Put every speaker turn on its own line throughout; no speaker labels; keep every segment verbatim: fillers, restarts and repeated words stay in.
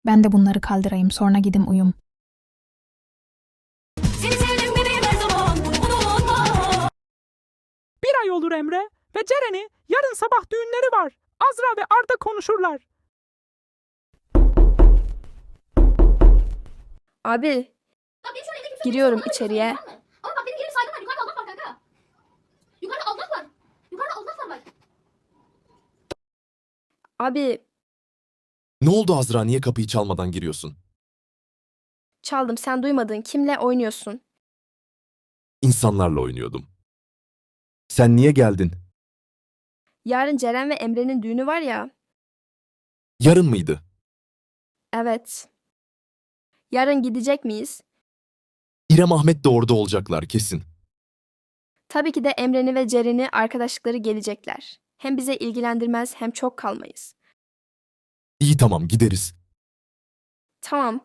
Ben de bunları kaldırayım, sonra gidim uyum.
Seni sevdim bebeğim her zaman, bunu unutma.
Bir ay olur Emre ve Ceren'i yarın sabah düğünleri var. Azra ve Arda konuşurlar.
Abi,
Bak benim şöyle evde kimse
Giriyorum
yok, kimse
içeriye.
yok, tamam mı? Ama bak benim yerim saygım var. Yukarıda Allah var kanka. Yukarıda Allah var. Yukarıda Allah var bak.
abi
Ne oldu Azra, niye kapıyı çalmadan giriyorsun?
çaldım, sen duymadın. Kimle oynuyorsun?
İnsanlarla oynuyordum. Sen niye geldin?
Yarın Ceren ve Emre'nin düğünü var ya.
Yarın mıydı?
Evet. Yarın gidecek miyiz?
İrem Ahmet de orada olacaklar kesin.
Tabii ki de Emre'ni ve Ceren'i arkadaşlıkları gelecekler. Hem bize ilgilendirmez hem çok kalmayız.
İyi, tamam, gideriz.
Tamam.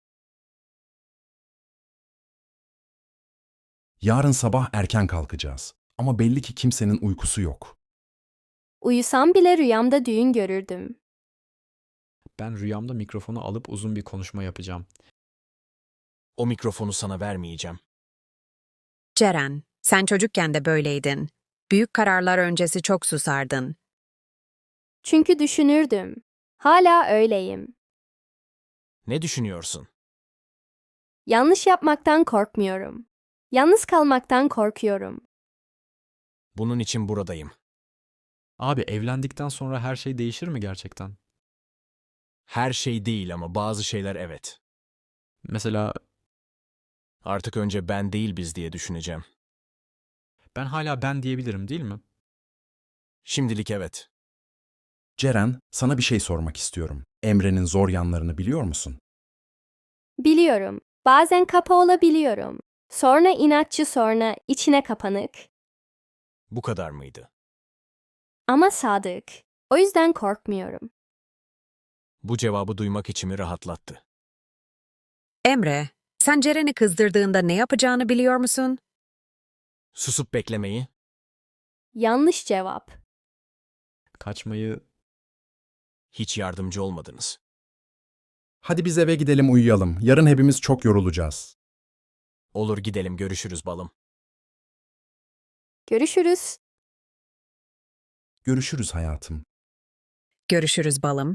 Yarın sabah erken kalkacağız. Ama belli ki kimsenin uykusu yok.
Uyusam bile rüyamda düğün görürdüm.
Ben rüyamda mikrofonu alıp uzun bir konuşma yapacağım.
O mikrofonu sana vermeyeceğim.
Ceren, sen çocukken de böyleydin. Büyük kararlar öncesi çok susardın.
Çünkü düşünürdüm. Hala öyleyim.
Ne düşünüyorsun?
Yanlış yapmaktan korkmuyorum. Yalnız kalmaktan korkuyorum.
Bunun için buradayım.
Abi evlendikten sonra her şey değişir mi gerçekten?
Her şey değil ama bazı şeyler evet.
Mesela
Artık önce ben değil biz diye düşüneceğim.
ben hala ben diyebilirim değil mi?
Şimdilik evet.
Ceren, sana bir şey sormak istiyorum. Emre'nin zor yanlarını biliyor musun?
Biliyorum. Bazen kapa olabiliyorum. Sonra inatçı, sonra içine kapanık.
Bu kadar mıydı?
Ama sadık. O yüzden korkmuyorum.
Bu cevabı duymak içimi rahatlattı.
Emre, sen Ceren'i kızdırdığında ne yapacağını biliyor musun?
Susup beklemeyi,
Yanlış cevap.
Kaçmayı
hiç yardımcı olmadınız.
Hadi biz eve gidelim uyuyalım. Yarın hepimiz çok yorulacağız.
Olur gidelim görüşürüz balım.
Görüşürüz.
Görüşürüz hayatım.
Görüşürüz balım.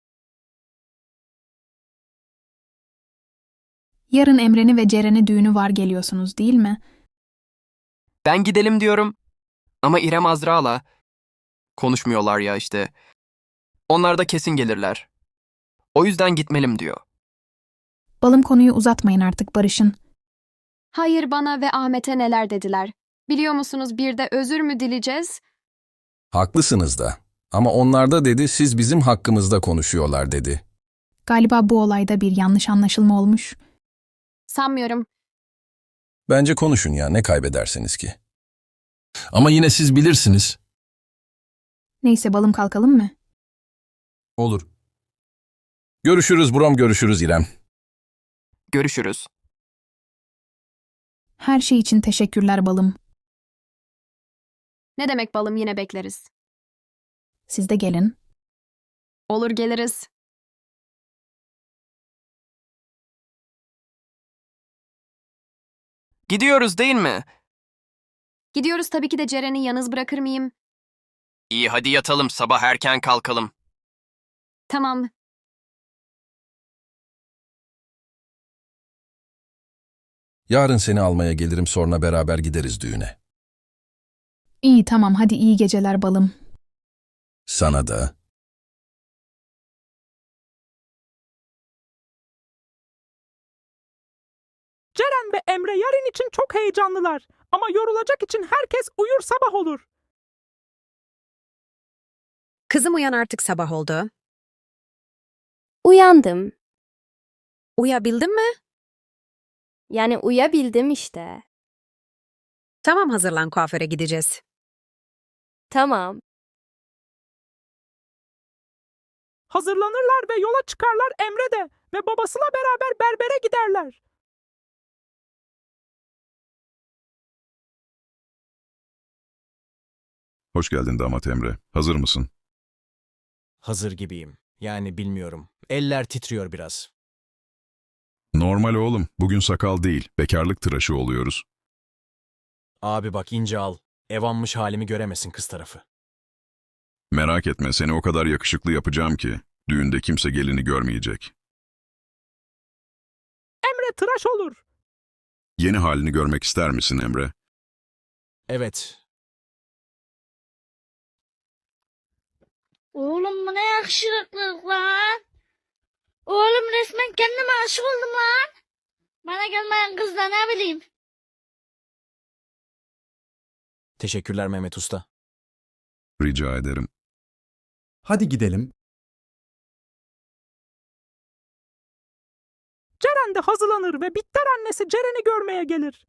Yarın Emre'ni ve Ceren'i düğünü var geliyorsunuz değil mi?
Ben gidelim diyorum. Ama İrem Azra'la konuşmuyorlar ya işte. Onlar da kesin gelirler. O yüzden gitmelim diyor.
Balım, konuyu uzatmayın artık, barışın.
Hayır, bana ve Ahmet'e neler dediler. Biliyor musunuz, bir de özür mü dileyeceğiz?
Haklısınız da. Ama onlar da dedi siz bizim hakkımızda konuşuyorlar dedi.
Galiba bu olayda bir yanlış anlaşılma olmuş.
Sanmıyorum.
Bence konuşun ya, ne kaybedersiniz ki? Ama yine siz bilirsiniz.
Neyse balım, kalkalım mı?
Olur. Görüşürüz Buram, görüşürüz İrem.
Görüşürüz.
Her şey için teşekkürler balım.
Ne demek balım, yine bekleriz.
Siz de gelin.
Olur, geliriz.
Gidiyoruz değil mi?
Gidiyoruz, tabii ki de Ceren'i yalnız bırakır mıyım?
İyi, hadi yatalım, sabah erken kalkalım.
Tamam.
Yarın seni almaya gelirim, sonra beraber gideriz düğüne.
İyi, tamam, hadi iyi geceler balım.
Sana da.
Ceren ve Emre yarın için çok heyecanlılar. Ama yorulacak için herkes uyur, sabah olur.
Kızım uyan, artık sabah oldu.
Uyandım.
Uyabildin mi?
Yani uyabildim işte.
Tamam, hazırlan, kuaföre gideceğiz.
Tamam.
Hazırlanırlar ve yola çıkarlar Emre de ve babasıyla beraber berbere giderler.
Hoş geldin damat Emre. Hazır mısın?
Hazır gibiyim. Yani bilmiyorum. Eller titriyor biraz.
Normal oğlum. Bugün sakal değil, bekarlık tıraşı oluyoruz.
Abi bak ince al. Ev almış halimi göremesin kız tarafı.
Merak etme, seni o kadar yakışıklı yapacağım ki düğünde kimse gelini görmeyecek.
Emre tıraş olur.
Yeni halini görmek ister misin Emre?
Evet.
Oğlum bu ne yakışıklılık lan. Oğlum resmen kendime aşık oldum lan. Bana gelmeyen kız da ne bileyim.
Teşekkürler Mehmet Usta.
Rica ederim.
Hadi gidelim.
Ceren de hazırlanır ve Bitter annesi Ceren'i görmeye gelir.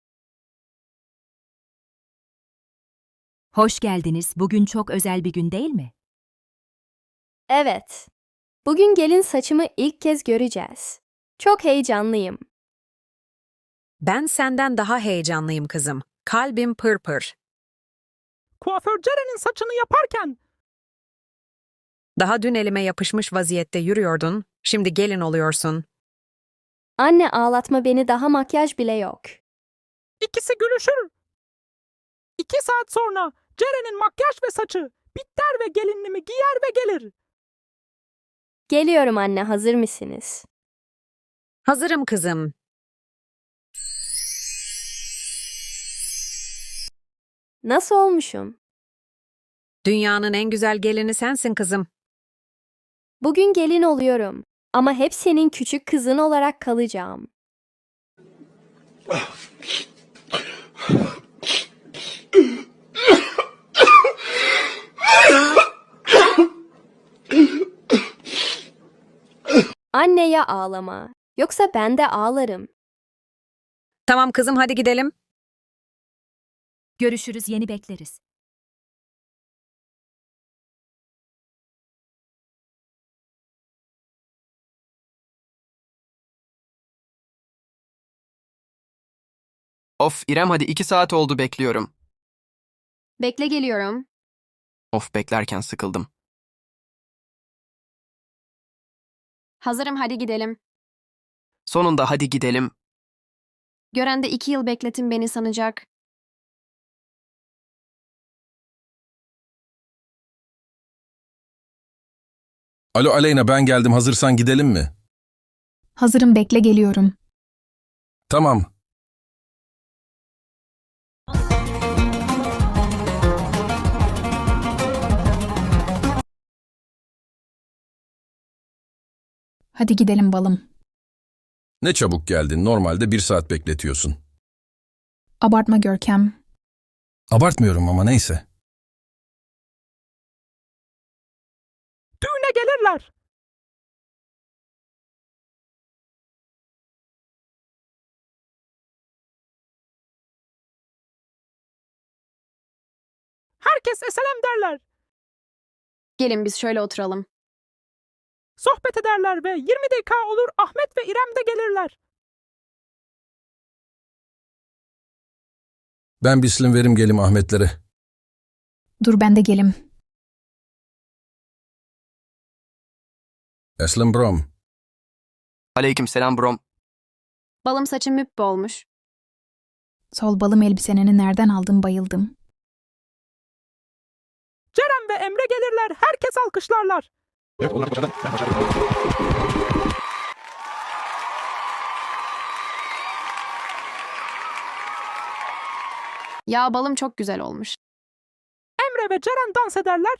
Hoş geldiniz. Bugün çok özel bir gün değil mi?
Evet. Bugün gelin saçımı ilk kez göreceğiz. Çok heyecanlıyım.
Ben senden daha heyecanlıyım kızım. Kalbim pırpır.
Kuaför Ceren'in saçını yaparken
Daha dün elime yapışmış vaziyette yürüyordun. Şimdi gelin oluyorsun.
Anne ağlatma beni, daha makyaj bile yok.
ikisi gülüşür. İki saat sonra Ceren'in makyaj ve saçı Bitter ve gelinliğimi giyer ve gelir.
Geliyorum anne, hazır mısınız?
Hazırım kızım.
Nasıl olmuşum?
Dünyanın en güzel gelini sensin kızım.
Bugün gelin oluyorum. Ama hep senin küçük kızın olarak kalacağım. Anne ya ağlama. Yoksa ben de ağlarım.
Tamam kızım, hadi gidelim. Görüşürüz, yeni bekleriz.
Of İrem hadi iki saat oldu bekliyorum.
Bekle, geliyorum.
Of beklerken sıkıldım.
Hazırım, hadi gidelim.
Sonunda hadi gidelim.
Gören de iki yıl bekletin beni sanacak.
Alo Aleyna, ben geldim. Hazırsan gidelim mi?
Hazırım, bekle geliyorum.
Tamam.
Hadi gidelim balım.
Ne çabuk geldin. Normalde bir saat bekletiyorsun.
Abartma Görkem.
Abartmıyorum ama neyse.
Düğüne gelirler. Herkes eselem derler.
Gelin biz şöyle oturalım.
Sohbet ederler ve yirmi dakika olur Ahmet ve İrem de gelirler.
Ben bislim verim gelim Ahmetlere.
Dur ben de gelim.
Eslim brom.
Aleyküm selam brom.
Balım saçım müpbe olmuş.
Sol balım elbiseneni nereden aldın, bayıldım.
Ceren ve Emre gelirler. Herkes alkışlarlar.
Ya balım çok güzel olmuş.
Emre ve Ceren dans ederler.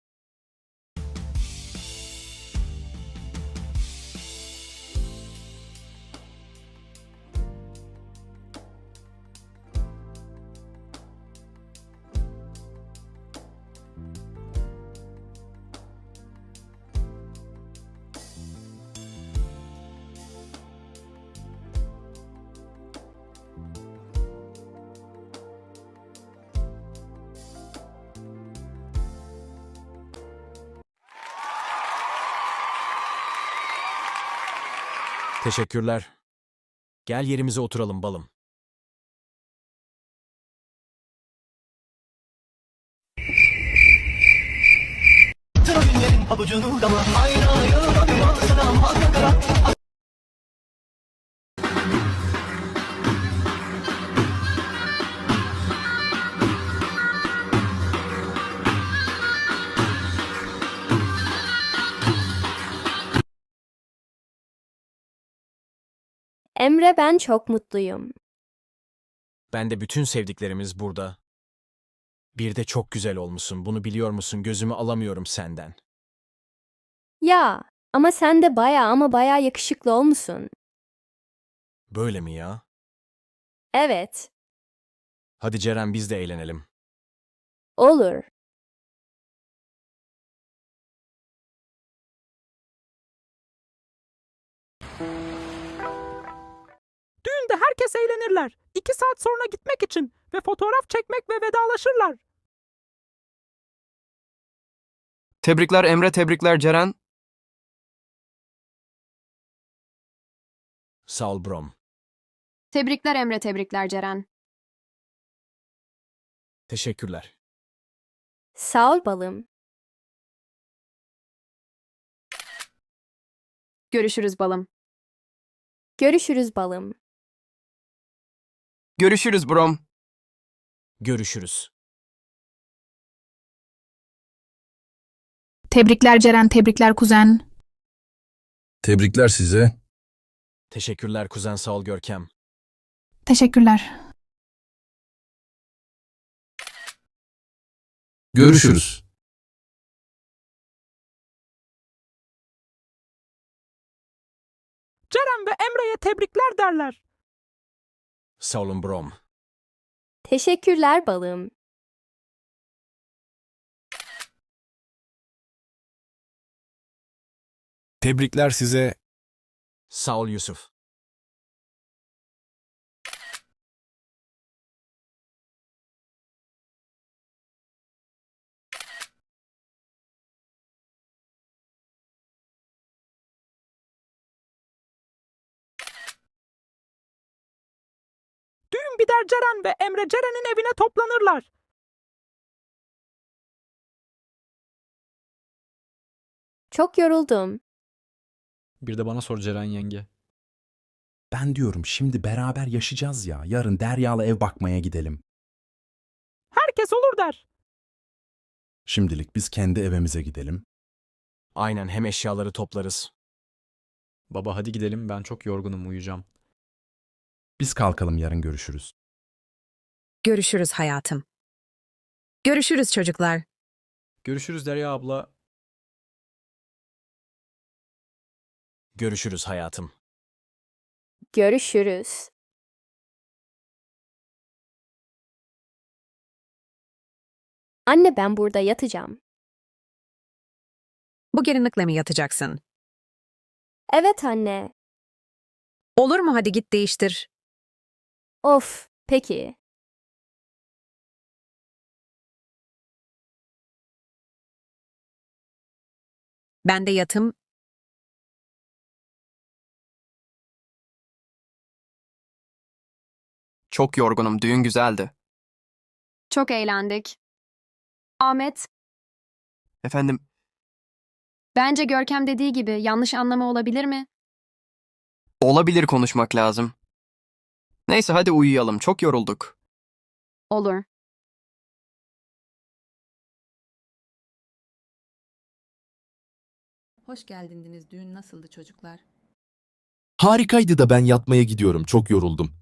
Teşekkürler. Gel yerimize oturalım balım.
Emre, ben çok mutluyum.
Ben de bütün sevdiklerimiz burada. Bir de çok güzel olmuşsun. Bunu biliyor musun? Gözümü alamıyorum senden.
Ya ama sen de baya ama baya yakışıklı olmuşsun.
Böyle mi ya?
Evet,
Hadi Ceren biz de eğlenelim.
olur.
Düğünde herkes eğlenirler. İki saat sonra gitmek için ve fotoğraf çekmek ve vedalaşırlar.
Tebrikler Emre, tebrikler Ceren.
Sağ ol Brom.
Tebrikler Emre, tebrikler Ceren.
Teşekkürler.
Sağ ol balım.
Görüşürüz balım.
Görüşürüz balım.
Görüşürüz Brom.
Görüşürüz.
Tebrikler Ceren, tebrikler kuzen.
Tebrikler size.
Teşekkürler kuzen, sağ ol Görkem.
Teşekkürler.
Görüşürüz.
Ceren ve Emre'ye tebrikler derler.
Sağ olun Brom.
Teşekkürler balım.
Tebrikler size. Sağ ol Yusuf.
Düğün biter, Ceren ve Emre Ceren'in evine toplanırlar.
Çok yoruldum.
Bir de bana sor Ceren yenge.
Ben diyorum şimdi beraber yaşayacağız ya. Yarın Derya'la ev bakmaya gidelim.
Herkes olur der.
Şimdilik biz kendi evimize gidelim.
Aynen, hem eşyaları toplarız.
Baba hadi gidelim, ben çok yorgunum, uyuyacağım.
Biz kalkalım, yarın görüşürüz.
Görüşürüz hayatım. Görüşürüz çocuklar.
Görüşürüz Derya abla.
Görüşürüz hayatım.
Görüşürüz. Anne, ben burada yatacağım.
Bu gelinlikle mi yatacaksın?
Evet anne.
Olur mu, hadi git değiştir.
Of, peki.
Ben de yatım.
Çok yorgunum, düğün güzeldi.
Çok eğlendik. Ahmet,
Efendim,
bence Görkem dediği gibi yanlış anlama olabilir mi?
olabilir, konuşmak lazım. Neyse hadi uyuyalım, çok yorulduk.
Olur.
Hoş geldiniz. Düğün nasıldı çocuklar?
Harikaydı da ben yatmaya gidiyorum. Çok yoruldum.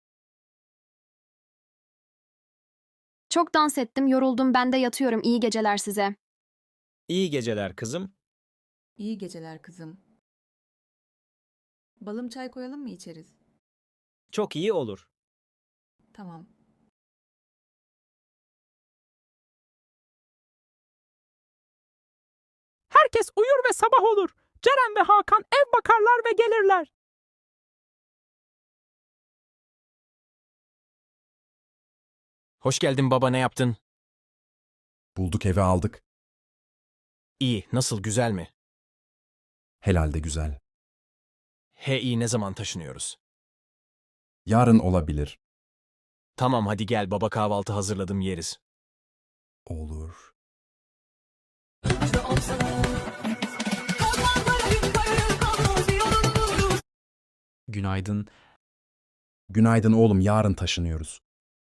Çok dans ettim, yoruldum, ben de yatıyorum. İyi geceler size.
İyi geceler kızım.
İyi geceler kızım. Balım, çay koyalım mı içeriz?
Çok iyi olur.
Tamam.
Herkes uyur ve sabah olur. Ceren ve Hakan ev bakarlar ve gelirler.
Hoş geldin baba, ne yaptın?
Bulduk, evi aldık.
İyi, nasıl, güzel mi?
Helalde güzel.
He iyi, ne zaman taşınıyoruz?
Yarın olabilir.
Tamam hadi gel baba, kahvaltı hazırladım, yeriz.
Olur.
Günaydın.
Günaydın oğlum, yarın taşınıyoruz.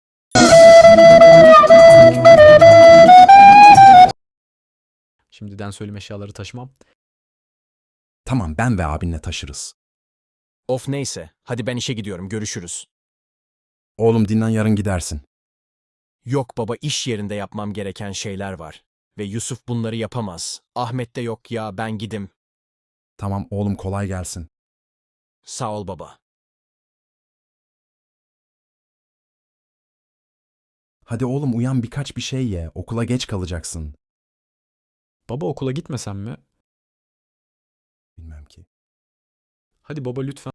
Şimdiden söyleme eşyaları taşımam.
Tamam, ben ve abinle taşırız.
Of neyse, hadi ben işe gidiyorum, görüşürüz.
Oğlum dinlen, yarın gidersin.
Yok baba, iş yerinde yapmam gereken şeyler var. Ve Yusuf bunları yapamaz. Ahmet de yok ya, ben gidim.
Tamam oğlum, kolay gelsin.
Sağ ol baba.
Hadi oğlum uyan, birkaç bir şey ye. Okula geç kalacaksın.
Baba okula gitmesem mi?
Bilmem ki.
Hadi baba lütfen.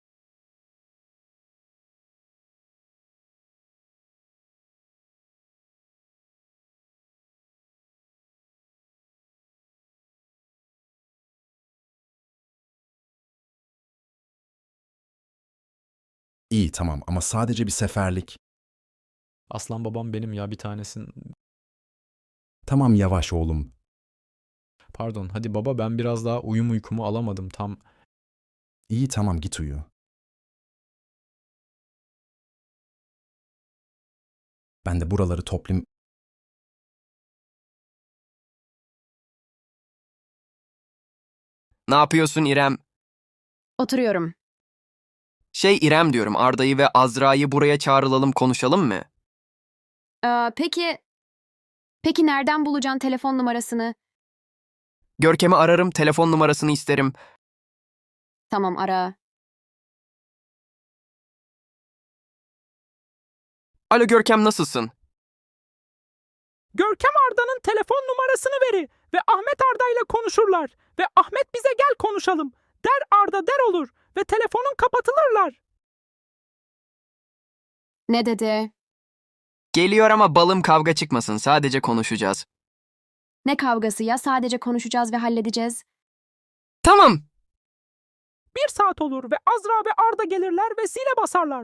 İyi tamam, ama sadece bir seferlik.
Aslan babam benim ya, bir tanesin.
Tamam yavaş oğlum.
Pardon, hadi baba, ben biraz daha uyum uykumu alamadım tam.
İyi tamam, git uyu. Ben de buraları toplayayım.
Ne yapıyorsun İrem?
Oturuyorum.
Şey İrem diyorum, Arda'yı ve Azra'yı buraya çağrılalım, konuşalım mı?
Ee, peki... Peki nereden bulacaksın telefon numarasını?
Görkem'i ararım, telefon numarasını isterim.
Tamam, ara.
Alo Görkem, nasılsın?
Görkem Arda'nın telefon numarasını veri ve Ahmet Arda ile konuşurlar. Ve Ahmet bize gel konuşalım. Der Arda der olur ve telefonun kapatılırlar.
Ne dedi?
Geliyor ama balım, kavga çıkmasın, sadece konuşacağız.
Ne kavgası ya? Sadece konuşacağız ve halledeceğiz.
Tamam.
Bir saat olur ve Azra ve Arda gelirler ve zile basarlar.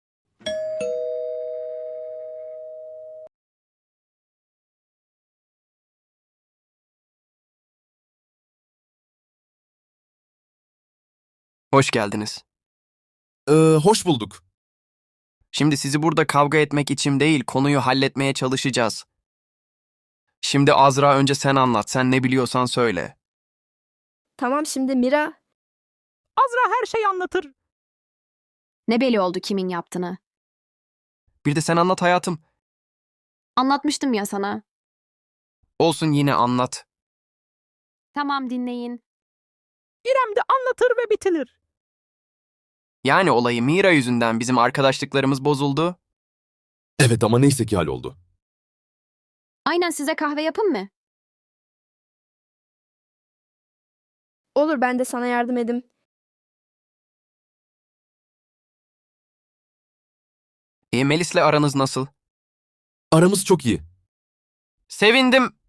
Hoş geldiniz.
Ee, hoş bulduk.
Şimdi sizi burada kavga etmek için değil, konuyu halletmeye çalışacağız. Şimdi Azra, önce sen anlat, sen ne biliyorsan söyle.
Tamam, şimdi Mira.
Azra her şeyi anlatır.
Ne belli oldu kimin yaptığını?
Bir de sen anlat hayatım.
Anlatmıştım ya sana.
Olsun, yine anlat.
Tamam, dinleyin.
İrem de anlatır ve bitirir.
Yani olayı Mira yüzünden bizim arkadaşlıklarımız bozuldu.
Evet ama neyse ki halloldu.
Aynen, size kahve yapın mı?
Olur, ben de sana yardım edeyim.
E, Melis'le aranız nasıl?
Aramız çok iyi.
Sevindim.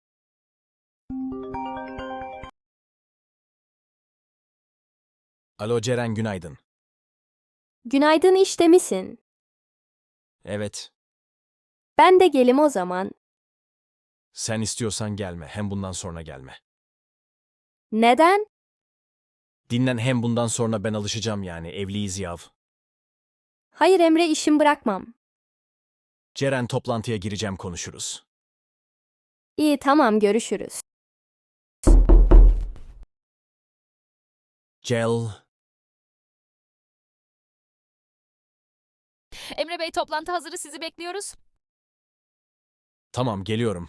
Alo Ceren, günaydın.
Günaydın, işte misin?
Evet,
Ben de gelim o zaman.
sen istiyorsan gelme, hem bundan sonra gelme.
Neden?
Dinlen, hem bundan sonra ben alışacağım yani, evliyiz yav.
Hayır Emre, işim bırakmam.
Ceren, toplantıya gireceğim, konuşuruz.
İyi tamam, görüşürüz.
Cel,
Emre Bey, toplantı hazırı, sizi bekliyoruz.
tamam geliyorum.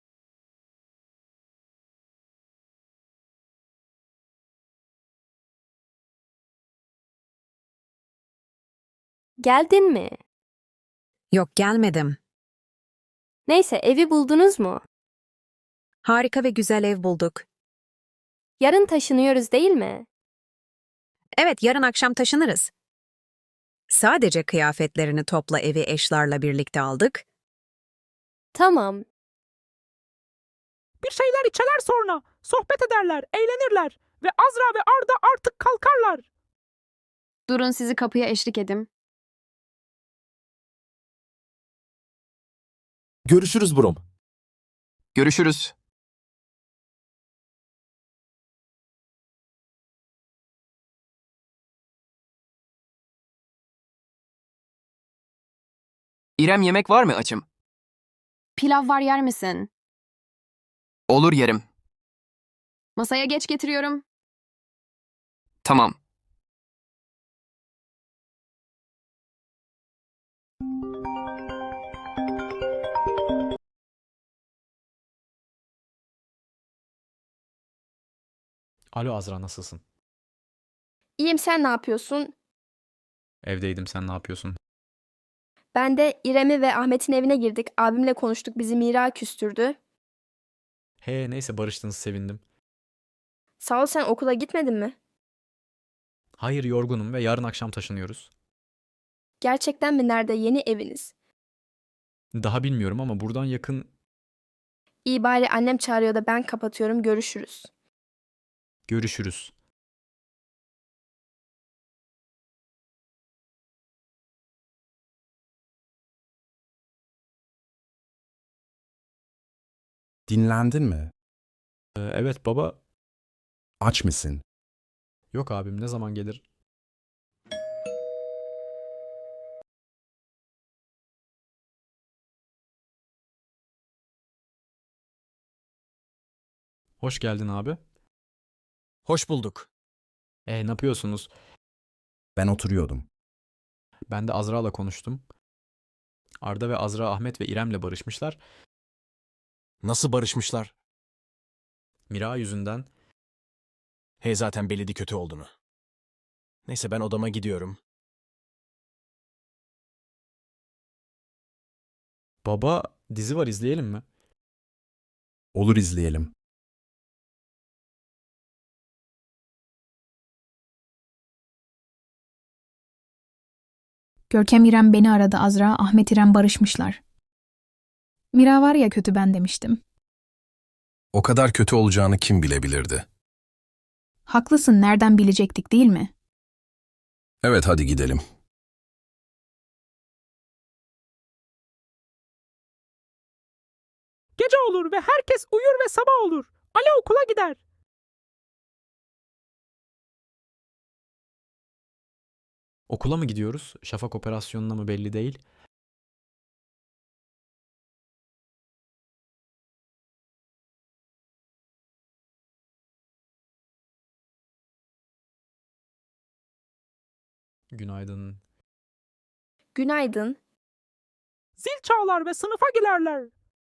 Geldin mi?
Yok, gelmedim.
Neyse, evi buldunuz mu?
Harika ve güzel ev bulduk.
Yarın taşınıyoruz değil mi?
Evet, yarın akşam taşınırız. Sadece kıyafetlerini topla, evi eşlarla birlikte aldık.
Tamam.
Bir şeyler içerler sonra. Sohbet ederler, eğlenirler. Ve Azra ve Arda artık kalkarlar.
Durun, sizi kapıya eşlik edim.
Görüşürüz Brom.
Görüşürüz. İrem yemek var mı açım?
Pilav var, yer misin?
Olur yerim.
Masaya geç, getiriyorum.
Tamam.
Alo Azra, nasılsın?
İyiyim, sen ne yapıyorsun?
Evdeydim, sen ne yapıyorsun?
Ben de İrem'i ve Ahmet'in evine girdik. Abimle konuştuk. Bizi Mira küstürdü.
He neyse, barıştınız, sevindim.
Sağ ol, sen okula gitmedin mi?
Hayır, yorgunum ve yarın akşam taşınıyoruz.
Gerçekten mi? Nerede? Yeni eviniz.
Daha bilmiyorum ama buradan yakın.
İyi, bari annem çağırıyor da ben kapatıyorum. Görüşürüz.
Görüşürüz.
Dinlendin mi?
Ee, evet baba.
Aç mısın?
Yok abim, ne zaman gelir? Hoş geldin abi.
Hoş bulduk.
E ne yapıyorsunuz?
Ben oturuyordum.
Ben de Azra'la konuştum. Arda ve Azra Ahmet ve İrem'le barışmışlar.
Nasıl barışmışlar?
Mira yüzünden.
He, zaten belliydi kötü olduğunu. Neyse, ben odama gidiyorum.
Baba, dizi var, izleyelim mi?
Olur, izleyelim.
Görkem İrem beni aradı Azra, Ahmet İrem barışmışlar. Mira var ya kötü, ben demiştim.
O kadar kötü olacağını kim bilebilirdi?
Haklısın, nereden bilecektik değil mi?
Evet, hadi gidelim.
Gece olur ve herkes uyur ve sabah olur. Ali okula gider.
Okula mı gidiyoruz? Şafak operasyonuna mı belli değil. Günaydın.
Günaydın.
Zil çalar ve sınıfa girerler.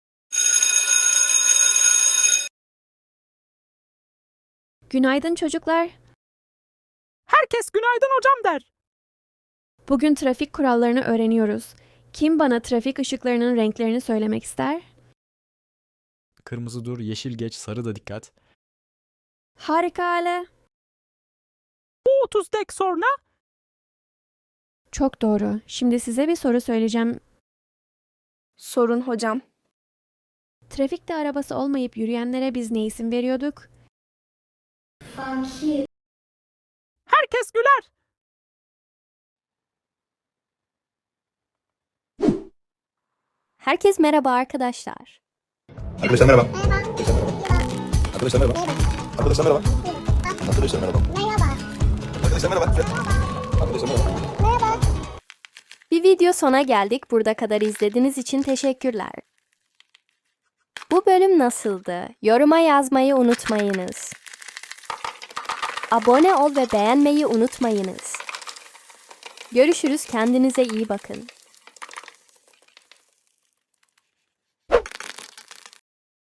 Günaydın çocuklar.
Herkes günaydın hocam der.
Bugün trafik kurallarını öğreniyoruz. Kim bana trafik ışıklarının renklerini söylemek ister?
Kırmızı dur, yeşil geç, sarı da dikkat.
Harika Ale.
Bu otuz dakika sonra
Çok doğru. Şimdi size bir soru söyleyeceğim.
Sorun hocam.
Trafikte arabası olmayıp yürüyenlere biz ne isim veriyorduk?
herkes güler.
Herkes merhaba arkadaşlar.
Arkadaşlar merhaba. Arkadaşlar merhaba. Arkadaşlar merhaba. Arkadaşlar merhaba. Arkadaşlar merhaba. Arkadaşlar merhaba.
Bir video sona geldik. Burada kadar izlediğiniz için teşekkürler. Bu bölüm nasıldı? Yoruma yazmayı unutmayınız. Abone ol ve beğenmeyi unutmayınız. Görüşürüz, kendinize iyi bakın.